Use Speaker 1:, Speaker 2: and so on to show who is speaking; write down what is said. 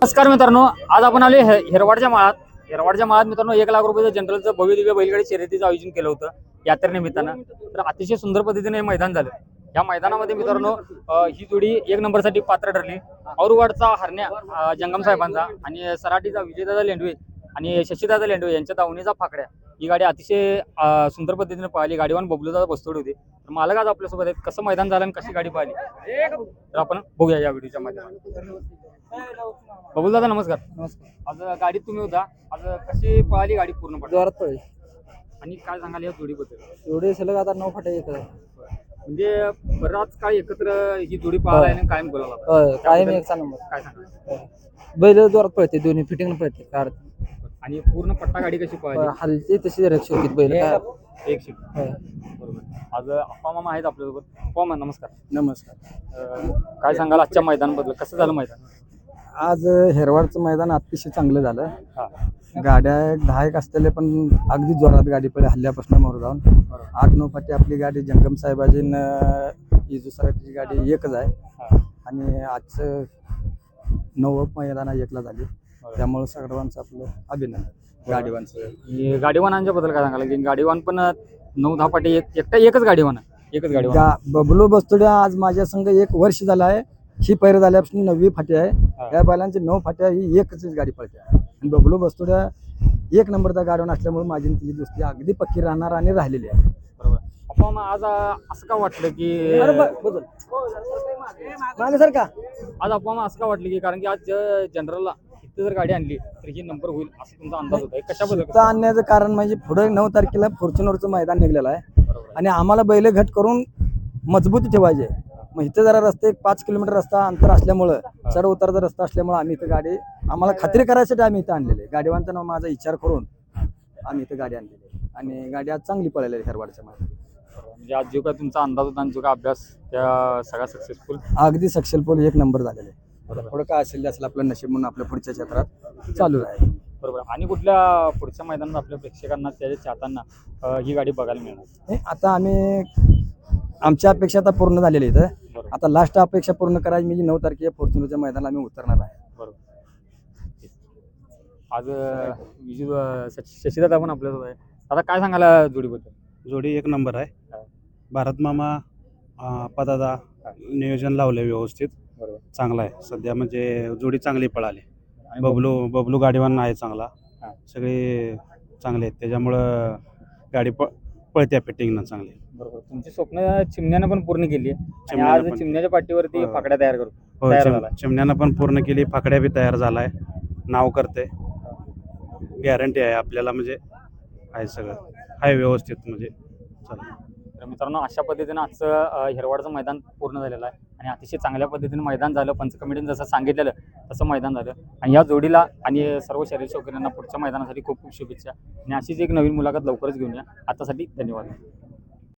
Speaker 1: नमस्कार मित्रांनो, आज आपण आले हिरवाडच्या माळात मित्रांनो 1 लाख रुपयाचं जनरलचं भव्य दिव्य बैलगाडी शर्यतीचं आयोजन केलं होतं यात्रेनिमित्तानं. तर अतिशय सुंदर पद्धतीने हे मैदान झालं. या मैदानामध्ये मित्रांनो ही जोडी 1 नंबरसाठी पात्र ठरली. औरवाडचा हरण्या जंगम साहेबांचा आणि सराटीचा विजयदादा लेंडवे आणि शशीदादा लेंडवे यांच्या दावणीचा फाकड्या ही गाडी अतिशय सुंदर पद्धतीने पाहिली. गाडीवान बबलूदादा बस्तोड होते. तर मालक आज आपल्यासोबत आहेत. कसं मैदान झालं आणि कशी गाडी पाहिली तर आपण बघूया या व्हिडिओच्या माध्यमातून. बबलूदादा नमस्कार.
Speaker 2: नमस्कार.
Speaker 1: आज गाडीत तुम्ही होता. आज कशी पळाली गाडी पूर्णपणे
Speaker 2: जोरात पळली.
Speaker 1: आणि काय सांगाल या जोडीबद्दल?
Speaker 2: एवढे सलग आता 9 फाटे येत आहे.
Speaker 1: म्हणजे बराच काळ एकत्र ही जोडी पळाला आणि कायम बोलावला
Speaker 2: कायम एकचा नंबर.
Speaker 1: काय सांगाल?
Speaker 2: बैल जोरात पळते, दोन्ही फिटिंग पळते कार.
Speaker 1: आणि पूर्ण पट्टा गाडी कशी पळाली?
Speaker 2: हलती तशी रक्षी होती बैल.
Speaker 1: एक शिट बरोबर. आज अप्पा मामा आहेत आपल्यासोबत. अप्पा मामा नमस्कार.
Speaker 2: नमस्कार.
Speaker 1: काय सांगाल आजच्या मैदानाबद्दल? कसं झालं मैदान?
Speaker 2: आज हेरवाडचं मैदान अतिशय चांगलं झालं.
Speaker 1: हा
Speaker 2: गाड्या 10 असलेले पण अगदी जोरात गाडी पडली हल्ल्यापासून मोर जाऊन. 8-9 फाटी आपली गाडी जंगम साहेबाजी इजू सराटीची गाडी एकच आहे. आणि आजचं 9 मैदान 1ला झाली. त्यामुळे सर्वांचं आपलं अभिनंदन गाडीवानचं.
Speaker 1: गाडीवानांच्या बद्दल काय सांगाल? की गाडीवान पण 9-10 फाटी एकच गाडीवान
Speaker 2: बबलू बस्तुडे आज माझ्या संघ 1 वर्ष झालं आहे. ही पैर झाल्यापासून 9वी फाटी आहे. या बैलांची 9 फाट्या ही एकच गाडी पळते. आणि बबलू बस्तुड्या 1 नंबरचा गाडीवान असल्यामुळे माझी तिची दोस्ती अगदी पक्की राहणार आणि राहिलेली आहे.
Speaker 1: बरोबर. आपण आज असं का वाटलं की
Speaker 2: मागे सर का
Speaker 1: आज आपण असं का वाटलं की कारण की आज जनरलला इथं जर गाडी आणली तर ही नंबर होईल असं तुमचा अंदाज होता? कशाबद्दल
Speaker 2: आणण्याचं कारण म्हणजे पुढे 9 तारखेला फॉर्च्युनरचं मैदान निघलेलं आहे. आणि आम्हाला बैल घट करून मजबूती ठेवायचे. मग इथं जरा रस्ते 5 किलोमीटर रस्ता अंतर असल्यामुळं चढ उतारचा रस्ता असल्यामुळे आम्ही इथं गाडी आम्हाला खात्री करायसाठी आम्ही इथं आणलेले. गाडीवानचं नाव माझा विचार करून आम्ही इथं गाडी आणलेली आणि गाडी आज चांगली पळाली आहे हेरवाडच्या मध्ये.
Speaker 1: म्हणजे आज जो काय तुमचा अंदाज होता आणि जो काय अभ्यास त्या सगळा सक्सेसफुल
Speaker 2: अगदी सक्सेसफुल 1 नंबर झालेले. पुढं काय असेल असेल आपलं नशीब म्हणून आपल्या पुढच्या क्षेत्रात चालू आहे.
Speaker 1: बरोबर. आणि कुठल्या पुढच्या मैदानात आपल्या प्रेक्षकांना त्याच्या चाहताना ही गाडी बघायला मिळणार?
Speaker 2: आता आम्ही आमच्या अपेक्षा आता पूर्ण झालेली इथं. आता लास्ट अपेक्षा पूर्ण करायची म्हणजे 9 तारखेला फॉर्च्युनरच्या मैदानाला आम्ही उतरणार आहे.
Speaker 1: बरोबर. आज शशीदादा पण आपल्यासोबत आहे. आता काय सांगायला जोडीबद्दल?
Speaker 3: जोडी 1 नंबर आहे. भारत मामा पदादा नियोजन लावले व्यवस्थित.
Speaker 1: बरोबर.
Speaker 3: चांगला आहे सध्या म्हणजे जोडी चांगली पळाली. बबलू गाडीवान आहे चांगला. सगळे चांगले आहेत त्याच्यामुळं गाडी पळत्या फिटिंगनं चांगली.
Speaker 1: बरोबर. तुमची स्वप्न चिमण्यानं पण पूर्ण केली आणि आज चिमण्याच्या पाठीवरती फाकड्या तयार करतो.
Speaker 3: चिमण्यानं पण पूर्ण केली. फाकड्या बी तयार झालाय. नाव करते. गॅरंटी आहे आपल्याला म्हणजे आहे सगळं आहे व्यवस्थित म्हणजे चला.
Speaker 1: तर मित्रांनो अशा पद्धतीनं आजचं हिरवाडचं मैदान पूर्ण झालेलं आहे आणि अतिशय चांगल्या पद्धतीने मैदान झालं. पंच कमिटीने जसं सांगितलेलं तसं मैदान झालं. आणि या जोडीला आणि सर्व शरीर शौकीनांना पुढच्या मैदानासाठी खूप खूप शुभेच्छा आणि अशीच एक नवीन मुलाखत लवकरच घेऊन या. आतासाठी धन्यवाद.